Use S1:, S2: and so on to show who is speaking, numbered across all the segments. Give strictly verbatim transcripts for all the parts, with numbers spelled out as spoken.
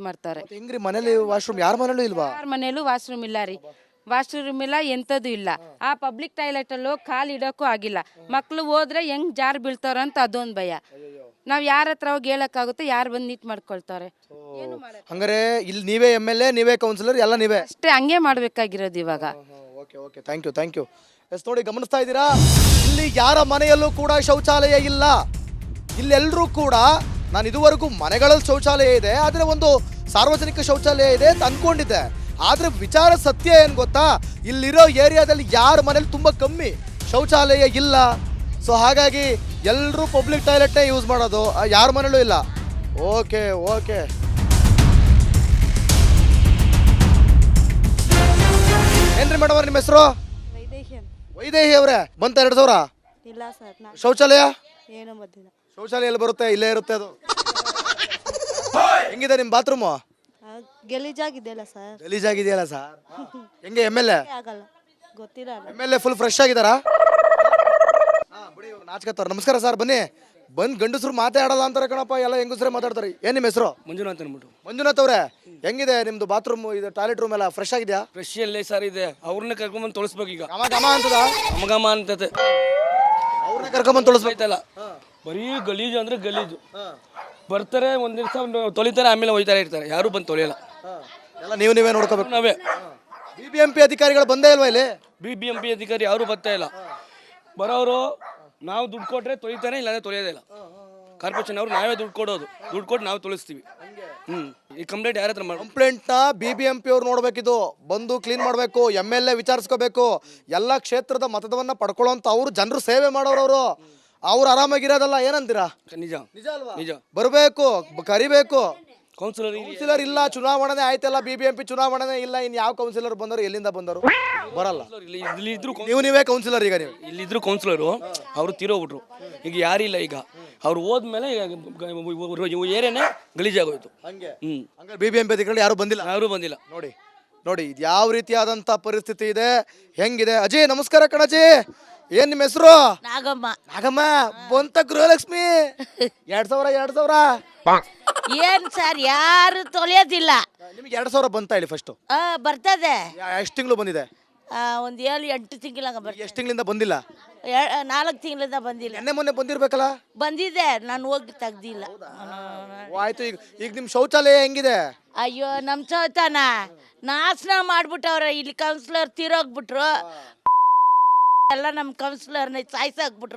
S1: ಮಾಡ್ತಾರೆ.
S2: ಹೆಂಗ್ರಿ ಮನೇಲಿ ವಾಶ್ರೂಮ್ ಯಾರ ಮನೇಲೂ ಇಲ್ವಾ?
S1: ಯಾರ ಮನೇಲೂ ವಾಶ್ರೂಮ್ ಇಲ್ಲ ರೀ, ವಾಶ್ರೂಮ್ ಇಲ್ಲ, ಎಂಥದ್ದು ಇಲ್ಲ. ಆ ಪಬ್ಲಿಕ್ ಟಾಯ್ಲೆಟಲ್ಲಿ ಹೋಗಿ ಕಾಲು ಇಡೋಕ್ಕೂ ಆಗಿಲ್ಲ. ಮಕ್ಕಳು ಹೋದ್ರೆ ಹೆಂಗ್ ಜಾರ್ ಬೀಳ್ತಾರ ಅಂತ ಅದೊಂದು ಭಯ. ನಾವು ಯಾರ ಹತ್ರ ಹೋಗಿ ಹೇಳಕ್ಕಾಗುತ್ತೆ? ಯಾರು ಬಂದು ನೀಟ್ ಮಾಡ್ಕೊಳ್ತಾರೆ?
S2: ಹಂಗಾರೆ ಇಲ್ಲಿ ನೀವೇ ಎಮ್ ಎಲ್ ಎ, ನೀವೇ ಕೌನ್ಸಿಲರ್, ಎಲ್ಲ ನೀವೇ
S1: ಅಷ್ಟೇ, ಹಂಗೆ ಮಾಡ್ಬೇಕಾಗಿರೋದು ಇವಾಗ.
S2: Okay okay thank you thank you yes ನೋಡಿ ಗಮನಿಸ್ತಾ ಇದ್ದೀರಾ, ಇಲ್ಲಿ ಯಾರ ಮನೆಯಲ್ಲೂ ಕೂಡ ಶೌಚಾಲಯ ಇಲ್ಲ. ಇಲ್ಲೆಲ್ಲರೂ ಕೂಡ ನಾನು ಇದುವರೆಗೂ ಮನೆಗಳಲ್ಲಿ ಶೌಚಾಲಯ ಇದೆ, ಆದರೆ ಒಂದು ಸಾರ್ವಜನಿಕ ಶೌಚಾಲಯ ಇದೆ ಅಂತ ಅಂದ್ಕೊಂಡಿದ್ದೆ. ಆದರೆ ವಿಚಾರ ಸತ್ಯ ಏನು ಗೊತ್ತಾ, ಇಲ್ಲಿರೋ ಏರಿಯಾದಲ್ಲಿ ಯಾರ ಮನೇಲಿ ತುಂಬ ಕಮ್ಮಿ ಶೌಚಾಲಯ ಇಲ್ಲ. ಸೊ ಹಾಗಾಗಿ ಎಲ್ಲರೂ ಪಬ್ಲಿಕ್ ಟಾಯ್ಲೆಟ್ನೇ ಯೂಸ್ ಮಾಡೋದು, ಯಾರ ಮನೇಲೂ ಇಲ್ಲ. ಓಕೆ ಓಕೆ ಏನ್ರಿ ಮೇಡಮ್ ಅವ್ರ ನಿಮ್ಮ ಹೆಸರು? ವೈದೇಹಿ ಅವರೇ, ಬಂತ ಎರಡು ಸಾವಿರ?
S3: ಇಲ್ಲ ಸರ್,
S2: ಶೌಚಾಲಯ
S3: ಏನೂ ಬಂದಿಲ್ಲ.
S2: ಶೌಚಾಲಯ ಎಲ್ಲಿ ಬರುತ್ತೆ? ಇಲ್ಲೇ ಇರುತ್ತೆ ಅದು. ಹೆಂಗಿದೆ ನಿಮ್ಮ ಬಾತ್ರೂಮು?
S3: ಗಲೀಜಾಗಿದೆಯಲ್ಲ ಸರ್.
S2: ಗಲೀಜಾಗಿದೆಯಲ್ಲ ಸರ್. ಹೆಂಗೆ ಎಮ್ ಎಲ್ ಎ?
S3: ಆಗಲ್ಲ, ಗೊತ್ತಿಲ್ಲ.
S2: M L A full fresh ಆಗಿದಾರಾ? ನಾಚ್ಕತ್ತವ್ರ. ನಮಸ್ಕಾರ ಸರ್, ಬನ್ನಿ. ಬಂದ್ ಗಂಡಸರು ಮಾತಾಡಲ್ಲ ಅಂತಾರೆ ಕಣಪ್ಪ, ಎಲ್ಲ ಹೆಂಗಸರೇ ಮಾತಾಡ್ತಾರೆ. ಏನ್ ನಿಮ್ಮ ಹೆಸರು?
S4: ಮಂಜುನಾಥ್ ಅನ್ಬಿಟ್ಟು.
S2: ಮಂಜುನಾಥ್ ಅವ್ರೆ, ಹೆಂಗಿದೆ ನಿಮ್ದು ಬಾತ್ರೂಮ್, ಇದು ಟಾಯ್ಲೆಟ್ ರೂಮ್ ಎಲ್ಲ ಫ್ರೆಶ್ ಆಗಿದೆಯಾ?
S4: ಫ್ರೆಶ್ ಅಲ್ಲೇ ಸರ್ ಇದೆ, ಅವ್ರನ್ನ ಕರ್ಕೊಂಡ್ಬಂದು ತೊಳಸ್ಬೇಕು ಈಗ.
S2: ಗಮ ಗಮ ಅಂತದ?
S4: ಗಮಗಮ ಅಂತತೆ,
S2: ಅವ್ರನ್ನ ಕರ್ಕೊಂಡ್ಬಂದು ತೊಳಸ್ಬೇಕಲ್ಲ.
S4: ಬರೀ ಗಲೀಜು ಅಂದ್ರೆ ಗಲೀಜು. ಬರ್ತಾರೆ ಒಂದ್ ದಿವಸ ತೊಳಿತಾರೆ, ಆಮೇಲೆ ಹೋಯ್ತಾರೆ ಇರ್ತಾರೆ, ಯಾರು ಬಂದು ತೊಳೆಯಲ್ಲ.
S2: ಎಲ್ಲ ನೀವು ನೀವೇ ನೋಡ್ಕೋಬೇಕು.
S4: ನಾವೇ.
S2: ಬಿ ಬಿ ಎಂ ಪಿ ಅಧಿಕಾರಿಗಳು ಬಂದೇ ಇಲ್ವಾ ಇಲ್ಲಿ?
S4: ಬಿ ಬಿ ಎಂ ಪಿ ಅಧಿಕಾರಿ ಯಾರು ಬರ್ತಾ ಇಲ್ಲ. ಬರೋರು ನಾವು ದುಡ್ಡು ಕೊಟ್ರೆ ತೊಳಿತಾನೆ, ಇಲ್ಲಾಂದ್ರೆ ತೊಳೆಯೋದೇ ಇಲ್ಲ. ಕಾರ್ಪೊರೇಷನ್ ಅವರು ನಾವೇ ದುಡ್ಡು ಕೊಡೋದು, ದುಡ್ಡು ಕೊಟ್ಟು ನಾವು ತೊಳಿಸ್ತೀವಿ. ಹ್ಮ್ ಈ ಕಂಪ್ಲೇಂಟ್ ಯಾರ ಹತ್ರ ಮಾಡಿ?
S2: ಕಂಪ್ಲೇಂಟ್ ನ ಬಿ ಬಿ ಎಂ ಪಿ ಅವ್ರು ನೋಡ್ಬೇಕಿದು, ಬಂದು ಕ್ಲೀನ್ ಮಾಡಬೇಕು, ಎಮ್ ಎಲ್ ಎ ವಿಚಾರಿಸ್ಕೋಬೇಕು. ಎಲ್ಲ ಕ್ಷೇತ್ರದ ಮತದವನ್ನ ಪಡ್ಕೊಳ್ಳೋಂತ ಅವ್ರು ಜನರು ಸೇವೆ ಮಾಡೋರವರು, ಅವ್ರು ಆರಾಮಾಗಿರೋದಲ್ಲ. ಏನಂತೀರಾ?
S4: ನಿಜ
S2: ನಿಜ ಅಲ್ವಾ?
S4: ನಿಜ.
S2: ಬರಬೇಕು, ಕರಿಬೇಕು.
S4: ಕೌನ್ಸಿಲರ್
S2: ಕೌನ್ಸಿಲರ್ ಇಲ್ಲ, ಚುನಾವಣೆ ಆಯ್ತಲ್ಲ, ಬಿ ಬಿ ಎಂ ಪಿ ಚುನಾವಣೆ ಇಲ್ಲ, ಇನ್ ಯಾವ ಕೌನ್ಸಿಲರ್ ಬಂದರು, ಎಲ್ಲಿಂದ ಬಂದರು? ಬರಲ್ಲ.
S4: ಇಲ್ಲಿ ಇದ್ರು
S2: ನೀವು ನೀವೇ ಕೌನ್ಸಿಲರ್ ಈಗ. ನೀವು
S4: ಇಲ್ಲಿದ್ರು ಕೌನ್ಸಿಲರು, ಅವರು ತೀರೋಗ್ಬಿಟ್ರು. ಈಗ ಯಾರಿಲ್ಲ. ಈಗ ಅವ್ರು ಹೋದ್ಮೇಲೆ ಏರಿಯಾನೇ ಗಲೀಜಾಗೋಯ್ತು.
S2: ಹಂಗೆ
S4: ಹ್ಮ್
S2: ಹಂಗೆ ಬಿ ಬಿ ಎಂ ಪಿ ಅಧಿಕಾರಿಗಳು ಯಾರು ಬಂದಿಲ್ಲ.
S4: ಯಾರು ಬಂದಿಲ್ಲ.
S2: ನೋಡಿ ನೋಡಿ ಇದು ಯಾವ ರೀತಿಯಾದಂತ ಪರಿಸ್ಥಿತಿ ಇದೆ, ಹೆಂಗಿದೆ. ಅಜಯ್ ನಮಸ್ಕಾರ ಕಣಜಿ, ಏನ್ ನಿಮ್ಮ ಹೆಸರು?
S3: ನಾಗಮ್ಮ.
S2: ನಾಗಮ್ಮ ಬಂತ ಗೃಹಲಕ್ಷ್ಮಿ ಎರಡ್ ಸಾವಿರ ಎರಡ್ ಸಾವಿರ
S3: ಏನ್ ಸರ್, ಯಾರು ತೊಳೆಯೋದಿಲ್ಲ.
S2: ನಿಮ್ಗೆ ಎರಡ್ ಸಾವಿರ ಬಂತ ಹೇಳಿ ಫಸ್ಟ್?
S3: ಆ ಬರ್ತದೆ.
S2: ಎಷ್ಟು ತಿಂಗಳು ಬಂದಿದೆ?
S3: ಒಂದ್ ಏಳು ಎಂಟು ತಿಂಗಳಂಗ ಬರ್ತದೆ.
S2: ಎಷ್ಟು ತಿಂಗಳಿಂದ ಬಂದಿಲ್ಲ?
S3: ನಾಲ್ಕು ತಿಂಗಳಿಂದ ಬಂದಿಲ್ಲ.
S2: ನೆನ್ನೆ ಮೊನ್ನೆ ಬಂದಿರ್ಬೇಕಲ್ಲ?
S3: ಬಂದಿದೆ, ನಾನು ಹೋಗಿ ತೆಗ್ದಿಲ್ಲ.
S2: ಆಯ್ತು. ಈಗ ಈಗ ನಿಮ್ ಶೌಚಾಲಯ ಹೆಂಗಿದೆ?
S3: ಅಯ್ಯೋ, ನಮ್ ಚೌತಾನ ನಾಶನ ಮಾಡ್ಬಿಟ್ಟವ್ರ. ಇಲ್ಲಿ ಕೌನ್ಸಿಲರ್ ತೀರೋಗ್ಬಿಟ್ರು, ಎಲ್ಲ ನಮ್ ಕೌನ್ಸಿಲರ್ನ ಸಾಯ್ಸಾಕ್ಬಿಟ್ರು.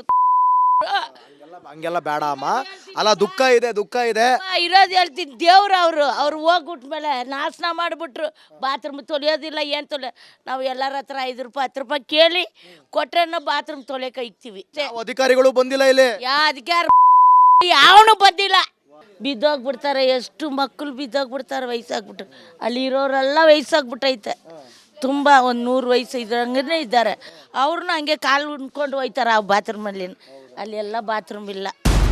S2: ಹಂಗೆಲ್ಲ ಬೇಡ ಅಮ್ಮ. ಅಲ್ಲ, ದುಃಖ ಇದೆ, ದುಃಖ ಇದೆ.
S3: ಇರೋದು ಹೇಳ್ತೀನಿ, ದೇವ್ರು ಅವರು ಅವ್ರು ಹೋಗ್ಬಿಟ್ಮೇಲೆ ನಾಶನ ಮಾಡಿಬಿಟ್ರು. ಬಾತ್ರೂಮ್ ತೊಳೆಯೋದಿಲ್ಲ, ಏನು ತೊಳೆ. ನಾವು ಎಲ್ಲರ ಹತ್ರ ಐದು ರೂಪಾಯಿ ಹತ್ತು ರೂಪಾಯಿ ಕೇಳಿ ಕೊಟ್ರೆ ಬಾತ್ರೂಮ್ ತೊಳೆಯಕ್ಕೆ ಇಕ್ತೀವಿ.
S2: ಅಧಿಕಾರಿಗಳು ಬಂದಿಲ್ಲ ಇಲ್ಲಿ?
S3: ಯಾ ಅಧಿಕಾರ ಯಾವನು ಬಂದಿಲ್ಲ. ಬಿದ್ದೋಗ್ಬಿಡ್ತಾರೆ, ಎಷ್ಟು ಮಕ್ಕಳು ಬಿದ್ದೋಗ್ಬಿಡ್ತಾರೆ ವಯಸ್ಸಾಗ್ಬಿಟ್ರು. ಅಲ್ಲಿ ಇರೋರೆಲ್ಲ ವಯಸ್ಸಾಗ್ಬಿಟ್ಟೈತೆ ತುಂಬ. ಒಂದು ನೂರು ವಯಸ್ಸು ಇದ್ರಂಗೇ ಇದ್ದಾರೆ. ಅವ್ರನ್ನ ಹಂಗೆ ಕಾಲು ಉಣ್ಕೊಂಡು ಹೋಯ್ತಾರೆ ಆ ಬಾತ್ರೂಮಲ್ಲಿ. ಅಲ್ಲಿ ಎಲ್ಲ ಬಾತ್ರೂಮ್ ಇಲ್ಲ.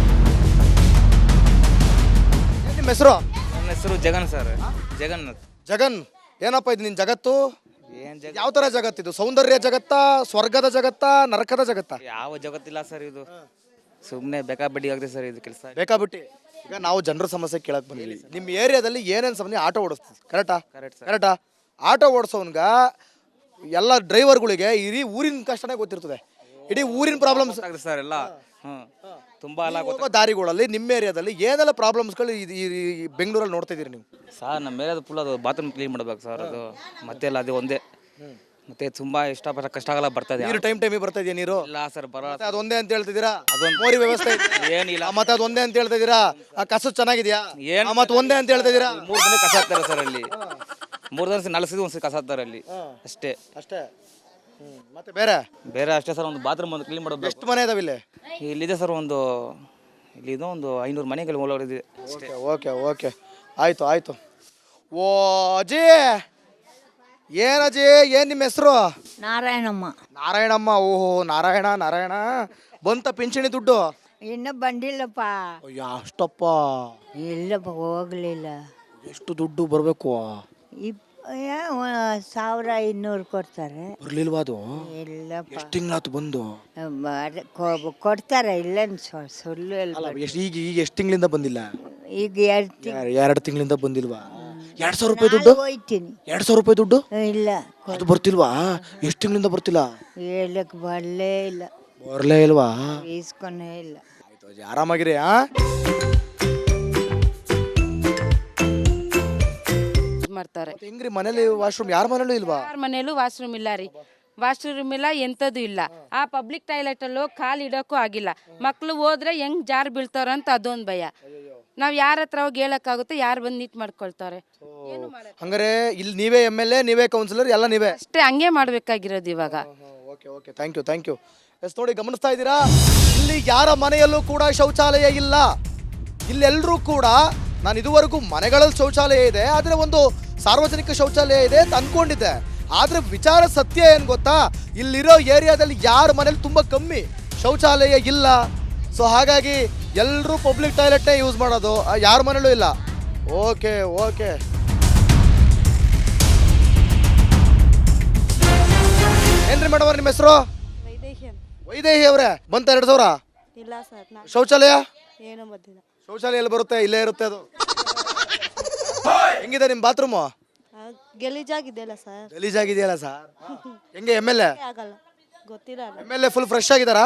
S2: ನಿಮ್ಮ ಹೆಸರು?
S5: ನನ್ನ ಹೆಸರು ಜಗನ್ ಸರ್. ಜಗನ್ನಾಥ್.
S2: ಜಗನ್, ಏನಪ್ಪ ಇದು ನಿನ್ ಜಗತ್ತು? ಯಾವ ತರ ಜಗತ್ತಿದು? ಸೌಂದರ್ಯ ಜಗತ್ತಾ, ಸ್ವರ್ಗದ ಜಗತ್ತಾ, ನರಕದ ಜಗತ್ತಾ?
S5: ಯಾವ ಜಗತ್ತಿಲ್ಲ ಸರ್, ಇದು ಸುಮ್ಮನೆ ಬೇಕಾಬಡ್ಡಿ ಆಗಿದೆ ಸರ್ ಇದು ಕೆಲಸ.
S2: ಬೇಕಾಬಿಟ್ಟಿ. ಈಗ ನಾವು ಜನರ ಸಮಸ್ಯೆ ಕೇಳಕ್ ಬಂದಿದ್ದೀವಿ. ನಿಮ್ಮ ಏರಿಯಾದಲ್ಲಿ ಏನೇನು ಸಮಸ್ಯೆ? ಆಟೋ ಓಡಿಸ್ತೀವಿ, ಕರೆಕ್ಟಾ?
S5: Correct sir.
S2: ಕರೆಕ್ಟಾ? ಆಟೋ ಓಡಿಸೋನ್ಗ ಎಲ್ಲ ಡ್ರೈವರ್ಗಳಿಗೆ ಇಡೀ ಊರಿನ ಕಷ್ಟನೇ ಗೊತ್ತಿರ್ತದೆ, ಇಡೀ ಊರಿನ ಪ್ರಾಬ್ಲಮ್ಸ್
S5: ಸರ್ ಎಲ್ಲ. ಹ್ಮ್ ತುಂಬಾ ಎಲ್ಲ
S2: ಹೋಗೋ ದಾರಿಗಳಲ್ಲಿ ನಿಮ್ಮ ಏರಿಯಾದಲ್ಲಿ ಏನೆಲ್ಲ ಪ್ರಾಬ್ಲಮ್ಸ್ಗಳು ಈ ಬೆಂಗಳೂರಲ್ಲಿ ನೋಡ್ತಾ ಇದೀರಿ ನೀವು?
S5: ಸರ್ ನಮ್ಮ ಮೇಲೆ ಫುಲ್ ಅದು ಬಾತ್ರೂಮ್ ಕ್ಲೀನ್ ಮಾಡ್ಬೇಕು ಸರ್. ಅದು ಮತ್ತೆ ಎಲ್ಲ ಅದು ಒಂದೇ. ಮತ್ತೆ ತುಂಬಾ ಇಷ್ಟಪಟ್ಟ ಕಷ್ಟ ಆಗಲ್ಲ ಬರ್ತದೆ.
S2: ನೀರು ಟೈಮ್ ಟೈಮಿಗೆ ಬರ್ತಾ ಇದೆಯಾ ನೀರು?
S5: ಇಲ್ಲ ಸರ್, ಬರೋ
S2: ಅದೊಂದೇ ಅಂತ ಹೇಳ್ತಿದ್ದೀರಾ?
S5: ಅದೊಂದು
S2: ಮೋರಿ ವ್ಯವಸ್ಥೆ
S5: ಏನಿಲ್ಲ.
S2: ಮತ್ತೆ ಅದೊಂದೇ ಅಂತ ಹೇಳ್ತಾ ಇದೀರಾ? ಆ ಕಸ ಚೆನ್ನಾಗಿದ್ಯಾ?
S5: ಏನ್
S2: ಮತ್ತೆ ಒಂದೇ ಅಂತ ಹೇಳ್ತಾ ಇದೀರಾ?
S5: ಮೂರು ದಿನ ಕಸ ಹಾಕ್ತಾರೆ ಸರ್ ಅಲ್ಲಿ. ಮೂರು ದಿನ ನಾಲ್ಕು ದಿನ ಒಂದ್ಸತಿ ಕಸ ಹಾಕ್ತಾರೆ ಅಲ್ಲಿ ಅಷ್ಟೇ.
S2: ಅಷ್ಟೇ. ಮತ್ತೆ ಬೇರೆ
S5: ಬೇರೆ ಅಷ್ಟೇ ಸರ್. ಒಂದು ಬಾತ್ರೂಮ್ ಒಂದು ಕ್ಲೀನ್ ಮಾಡೋದು.
S2: ಎಷ್ಟು ಮನೆ ಇದಾವೆ ಇಲ್ಲಿ?
S5: ಇಲ್ಲಿದೆ ಸರ್ ಒಂದು, ಇಲ್ಲಿದೆ ಒಂದು ಐನೂರು ಮನೆಗಳು ಓಡಾಡಿದೆ ಅಷ್ಟೇ.
S2: ಓಕೆ ಓಕೆ ಆಯ್ತು ಆಯ್ತು. ಓ ಅಜಿ, ಏನ್ ಅಜಿ, ಏನ್ ನಿಮ್ಮ ಹೆಸರು?
S3: ನಾರಾಯಣಮ್ಮ.
S2: ನಾರಾಯಣಮ್ಮ. ಓಹೋ, ನಾರಾಯಣ ನಾರಾಯಣ. ಬಂತ ಪಿಂಚಣಿ ದುಡ್ಡು?
S3: ಇನ್ನೂ ಬಂದಿಲ್ಲಪ್ಪ.
S2: ಅಯ್ಯ ಅಷ್ಟಪ್ಪ?
S3: ಇಲ್ಲಪ್ಪ, ಹೋಗ್ಲಿಲ್ಲ.
S2: ಎಷ್ಟು ದುಡ್ಡು ಬರಬೇಕು?
S3: ಇಪ್ ಸಾವಿರ ಇನ್ನೂರು ಕೊಡ್ತಾರೆ.
S2: ಬರ್ಲಿಲ್ವಾ ಅದು?
S3: ಇಲ್ಲಪ್ಪ.
S2: ಎಷ್ಟು ತಿಂಗಳಾತು ಬಂದು?
S3: ಅದೇ ಕೊ- ಕೊಡ್ತಾರೆ, ಇಲ್ಲೇನು ಸುಳ್ಳು
S2: ಅಲ್ಲ,
S3: ಹೇಳ್ಬಾರ್ದು.
S2: ಎಷ್ಟ್- ಈಗ ಈಗ ಎಷ್ಟು ತಿಂಗಳಿಂದ ಬಂದಿಲ್ಲ?
S3: ಈಗ ಎರಡು ತಿಂಗಳು
S2: ಎರಡು ತಿಂಗಳಿಂದ ಬಂದಿಲ್ವಾ? ಎರಡ್ ಸಾವಿರ ರೂಪಾಯಿ ದುಡ್ಡು
S6: ಹೋಯ್ತೀನಿ
S2: ಎರಡ್ ಸಾವಿರ ರೂಪಾಯಿ ದುಡ್ಡು
S6: ಇಲ್ಲ
S2: ಅದು ಬರ್ತಿಲ್ವಾ? ಎಷ್ಟು ತಿಂಗಳಿಂದ ಬರ್ತಿಲ್ಲ?
S6: ಹೇಳಕ್ ಬರಲೇ ಇಲ್ಲ,
S2: ಬರ್ಲೇ ಇಲ್ವಾ?
S6: ಇಸ್ಕೊನೇ ಇಲ್ಲ.
S2: ಆಯ್ತು ಅಜ್ಜಿ, ಆರಾಮಾಗಿರಿ. ಆ
S1: ಇದ್ ಮಾಡ್ತಾರೆ.
S2: ಮತ್ತೆ ಹೆಂಗ್ರಿ ಮನೇಲಿ ವಾಶ್ರೂಮ್ ಯಾರ ಮನೇಲೂ ಇಲ್ವಾ?
S1: ಯಾರ ಮನೇಲೂ ವಾಶ್ರೂಮ್ ಇಲ್ಲ ರೀ, ವಾಶ್ರೂಮ್ ಇಲ್ಲ, ಎಂಥದ್ದು ಇಲ್ಲ. ಆ ಪಬ್ಲಿಕ್ ಟಾಯ್ಲೆಟಲ್ಲಿ ಹೋಗಿ ಕಾಲು ಇಡೋಕ್ಕೂ ಆಗಿಲ್ಲ. ಮಕ್ಳು ಹೋದ್ರೆ ಹೆಂಗ್ ಜಾರ್ ಬೀಳ್ತಾರ ಅಂತ ಅದೊಂದು ಭಯ. ನಾವು ಯಾರ ಹತ್ರ ಹೋಗಿ ಹೇಳಕ್ಕಾಗುತ್ತೆ? ಯಾರು ಬಂದು ನೀಟ್ ಮಾಡ್ಕೊಳ್ತಾರೆ?
S2: ಹಂಗಾರೆ ಇಲ್ಲಿ ನೀವೇ ಎಮ್ ಎಲ್ ಎ, ನೀವೇ ಕೌನ್ಸಿಲರ್, ಎಲ್ಲ ನೀವೇ?
S1: ಅಷ್ಟೇ, ಹಂಗೆ ಮಾಡ್ಬೇಕಾಗಿರೋದು ಇವಾಗ.
S2: Okay okay, thank you thank you. Yes ನೋಡಿ, ಗಮನಿಸ್ತಾ ಇದ್ದೀರಾ, ಇಲ್ಲಿ ಯಾರ ಮನೆಯಲ್ಲೂ ಕೂಡ ಶೌಚಾಲಯ ಇಲ್ಲ. ಇಲ್ಲೆಲ್ಲರೂ ಕೂಡ ನಾನು ಇದುವರೆಗೂ ಮನೆಗಳಲ್ಲಿ ಶೌಚಾಲಯ ಇದೆ, ಆದರೆ ಒಂದು ಸಾರ್ವಜನಿಕ ಶೌಚಾಲಯ ಇದೆ ಅಂತ ಅಂದ್ಕೊಂಡಿದ್ದೆ. ಆದರೆ ವಿಚಾರ ಸತ್ಯ ಏನು ಗೊತ್ತಾ, ಇಲ್ಲಿರೋ ಏರಿಯಾದಲ್ಲಿ ಯಾರ ಮನೇಲಿ ತುಂಬ ಕಮ್ಮಿ ಶೌಚಾಲಯ ಇಲ್ಲ. ಸೊ ಹಾಗಾಗಿ ಎಲ್ಲರೂ ಪಬ್ಲಿಕ್ ಟಾಯ್ಲೆಟ್ನೇ ಯೂಸ್ ಮಾಡೋದು, ಯಾರ ಮನೇಲೂ ಇಲ್ಲ. Okay okay. ಏನ್ರಿ ಮೇಡಮ್ ಅವ್ರ ನಿಮ್ಮ ಹೆಸರು? ವೈದೇಹಿ ಅವರೇ, ಬಂತ ಎರಡು ಸಾವಿರ?
S7: ಇಲ್ಲ ಸರ್, ನಾ
S2: ಶೌಚಾಲಯ
S7: ಏನೂ ಬಂದಿಲ್ಲ.
S2: ಶೌಚಾಲಯ ಎಲ್ಲಿ ಬರುತ್ತೆ? ಇಲ್ಲೇ ಇರುತ್ತೆ ಅದು. ಹೆಂಗಿದೆ ನಿಮ್ಮ ಬಾತ್ರೂಮು?
S7: ಆ, ಗಲೀಜಾಗಿದೆಯಲ್ಲ ಸರ್,
S2: ಗಲೀಜಾಗಿದೆಯಲ್ಲ ಸರ್. ಹೆಂಗೆ ಎಮ್ ಎಲ್ ಎ?
S7: ಆಗಲ್ಲ, ಗೊತ್ತಿಲ್ಲ ಅಲ್ಲ.
S2: M L A full fresh ಆಗಿದಾರಾ?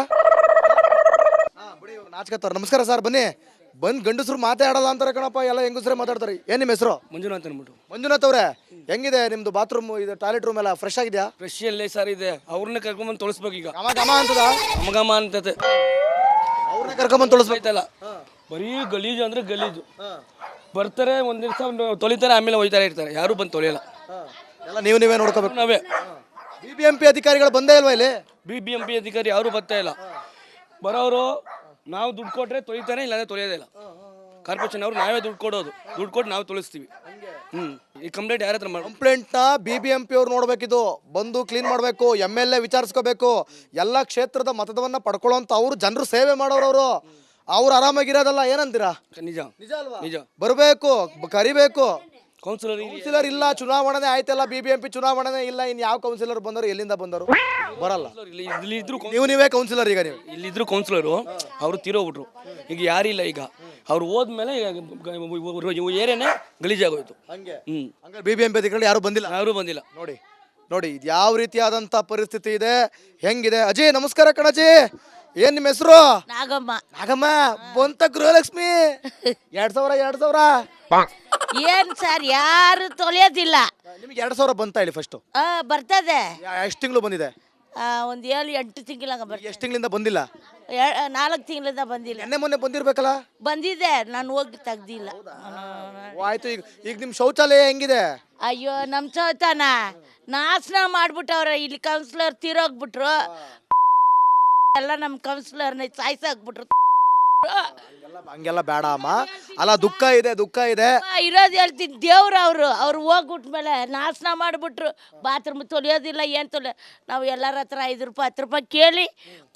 S2: ನಾಚ್ಕತ್ತವ್ರ. ನಮಸ್ಕಾರ ಸರ್, ಬನ್ನಿ. ಬಂದ್ ಗಂಡಸರು ಮಾತಾಡಲ್ಲ ಅಂತಾರೆ ಕಣಪ್ಪ, ಎಲ್ಲ ಹೆಂಗಸರೇ ಮಾತಾಡ್ತಾರೆ. ಏನ್ ನಿಮ್ಮ ಹೆಸರು?
S4: ಮಂಜುನಾಥ್ ಅನ್ಬಿಟ್ಟು.
S2: ಮಂಜುನಾಥ್ ಅವ್ರೆ, ಹೆಂಗಿದೆ ನಿಮ್ದು ಬಾತ್ರೂಮ್, ಇದು ಟಾಯ್ಲೆಟ್ ರೂಮ್ ಎಲ್ಲ ಫ್ರೆಶ್ ಆಗಿದೆಯಾ?
S4: ಫ್ರೆಶ್ ಎಲ್ಲೇ ಸರ್ ಇದೆ, ಅವ್ರನ್ನ ಕರ್ಕೊಂಬಂದು ತೊಳಸ್ಬೇಕು ಈಗ.
S2: ಗಮ ಗಮ ಅಂತದ?
S4: ಗಮಗಮ ಅಂತತೆ
S2: ಅವ್ರನ್ನ ಕರ್ಕೊಂಬಂದು ತೊಳಸ್ಬೇಕಲ್ಲ.
S4: ಬರೀ ಗಲೀಜು ಅಂದ್ರೆ ಗಲೀಜು. ಬರ್ತಾರೆ ಒಂದ್ ದಿವಸ ತೊಳಿತಾರೆ, ಆಮೇಲೆ ಹೋಯ್ತಾರೆ ಇರ್ತಾರೆ, ಯಾರು ಬಂದು ತೊಳೆಯಲ್ಲ.
S2: ಎಲ್ಲ ನೀವು ನೀವೇ ನೋಡ್ಕೋಬೇಕು.
S4: ನಾವೇ.
S2: ಬಿ ಬಿ ಎಂ ಪಿ ಅಧಿಕಾರಿಗಳು ಬಂದೇ ಇಲ್ವಾ ಇಲ್ಲಿ?
S4: ಬಿ ಬಿ ಎಂ ಪಿ ಅಧಿಕಾರಿ ಯಾರು ಬರ್ತಾ ಇಲ್ಲ. ಬರೋರು ನಾವು ದುಡ್ಡು ಕೊಟ್ರೆ ತೊಳಿತಾನೆ, ಇಲ್ಲಾಂದ್ರೆ ತೊಳೆಯೋದೇ ಇಲ್ಲ. ಕಾರ್ಪೊರೇಷನ್ ಅವರು ನಾವೇ ದುಡ್ಡು ಕೊಡೋದು, ದುಡ್ಡು ಕೊಟ್ಟು ನಾವು ತೊಳಿಸ್ತೀವಿ. ಹ್ಮ್ ಈ ಕಂಪ್ಲೇಂಟ್ ಯಾರ ಹತ್ರ ಮಾಡಿ?
S2: ಕಂಪ್ಲೇಂಟ್ನ ಬಿ ಬಿ ಎಂ ಪಿ ಅವ್ರು ನೋಡ್ಬೇಕಿದು, ಬಂದು ಕ್ಲೀನ್ ಮಾಡಬೇಕು, ಎಮ್ ಎಲ್ ಎ ವಿಚಾರಿಸ್ಕೋಬೇಕು. ಎಲ್ಲ ಕ್ಷೇತ್ರದ ಮತದವನ್ನ ಪಡ್ಕೊಳ್ಳೋಂಥ ಅವರು ಜನರು ಸೇವೆ ಮಾಡೋರು. ಅವರು ಅವ್ರು ಆರಾಮಾಗಿರೋದಲ್ಲ, ಏನಂತೀರಾ?
S4: ನಿಜ
S2: ನಿಜ ಅಲ್ವಾ?
S4: ನಿಜ.
S2: ಬರಬೇಕು, ಕರಿಬೇಕು.
S4: ಕೌನ್ಸಿಲರ್
S2: ಕೌನ್ಸಿಲರ್ ಇಲ್ಲ, ಚುನಾವಣೆ ಆಯ್ತಲ್ಲ, ಬಿ ಬಿ ಎಂ ಪಿ ಚುನಾವಣೆ ಇಲ್ಲ, ಇನ್ ಯಾವ ಕೌನ್ಸಿಲರ್ ಬಂದರು, ಎಲ್ಲಿಂದ ಬಂದರು? ಬರಲ್ಲ.
S4: ಇಲ್ಲಿ ಇದ್ರು
S2: ನೀವು ನೀವೇ ಕೌನ್ಸಿಲರ್ ಈಗ ನೀವು?
S4: ಇಲ್ಲಿದ್ರು ಕೌನ್ಸಿಲರು ಅವರು ತೀರೋಗ್ಬಿಟ್ರು, ಈಗ ಯಾರಿಲ್ಲ. ಈಗ ಅವ್ರು ಹೋದ್ಮೇಲೆ ಏರಿಯಾನೇ ಗಲೀಜಾಗೋಯ್ತು.
S2: ಹಂಗೆ
S4: ಹ್ಮ್
S2: ಹಂಗಾರೆ ಬಿ ಬಿ ಎಂ ಪಿ ಅಧಿಕಾರಿಗಳು ಯಾರು ಬಂದಿಲ್ಲ?
S4: ಯಾರು ಬಂದಿಲ್ಲ.
S2: ನೋಡಿ ನೋಡಿ, ಇದು ಯಾವ ರೀತಿಯಾದಂಥ ಪರಿಸ್ಥಿತಿ ಇದೆ, ಹೆಂಗಿದೆ. ಅಜಯ್ ನಮಸ್ಕಾರ ಕಣಜಿ, ಏನ್ ನಿಮ್ಮ ಹೆಸರು?
S3: ನಾಗಮ್ಮ.
S2: ನಾಗಮ್ಮ, ಬಂತ ಗೃಹಲಕ್ಷ್ಮಿ ಎರಡ್ ಸಾವಿರ ಎರಡ್ ಸಾವಿರ
S3: ಏನ್ ಸರ್, ಯಾರು ತೊಳೆಯೋದಿಲ್ಲ.
S2: ನಿಮ್ಗೆ ಎರಡ್ ಸಾವಿರ ಬಂತ ಹೇಳಿ ಫಸ್ಟ್?
S3: ಆ ಬರ್ತದೆ,
S2: ಎಷ್ಟು ತಿಂಗಳು ಬಂದಿದೆ?
S3: ಆ, ಒಂದ್ ಏಳು ಎಂಟು ತಿಂಗಳಂಗ ಬರ್ತದೆ.
S2: ಎಷ್ಟು ತಿಂಗಳಿಂದ ಬಂದಿಲ್ಲ?
S3: ನಾಲ್ಕು ತಿಂಗಳಿಂದ ಬಂದಿಲ್ಲ.
S2: ನೆನ್ನೆ ಮೊನ್ನೆ ಬಂದಿರ್ಬೇಕಲ್ಲ?
S3: ಬಂದಿದೆ, ನಾನು ಹೋಗಿ ತೆಗ್ದಿಲ್ಲ.
S2: ಓ, ಆಯ್ತು. ಈಗ ಈಗ ನಿಮ್ ಶೌಚಾಲಯ ಹೆಂಗಿದೆ?
S3: ಅಯ್ಯೋ, ನಮ್ ಚೌತಾನ ನಾಶನ ಮಾಡ್ಬಿಟ್ಟವ್ರ. ಇಲ್ಲಿ ಕೌನ್ಸಿಲರ್ ತೀರೋಗ್ಬಿಟ್ರು, ಎಲ್ಲ ನಮ್ ಕೌನ್ಸಿಲರ್ನ ಸಾಯ್ಸಾಕ್ಬಿಟ್ರು.
S2: ಹಂಗೆಲ್ಲ ಬೇಡ ಅಮ್ಮ. ಅಲ್ಲ, ದುಃಖ ಇದೆ, ದುಃಖ ಇದೆ.
S3: ಇರೋದು ಹೇಳ್ತೀನಿ, ದೇವ್ರು ಅವರು ಅವ್ರು ಹೋಗ್ಬಿಟ್ಮೇಲೆ ನಾಶನ ಮಾಡಿಬಿಟ್ರು. ಬಾತ್ರೂಮ್ ತೊಳೆಯೋದಿಲ್ಲ, ಏನು ತೊಳೆ. ನಾವು ಎಲ್ಲರ ಹತ್ರ ಐದು ರೂಪಾಯಿ ಹತ್ತು ರೂಪಾಯಿ ಕೇಳಿ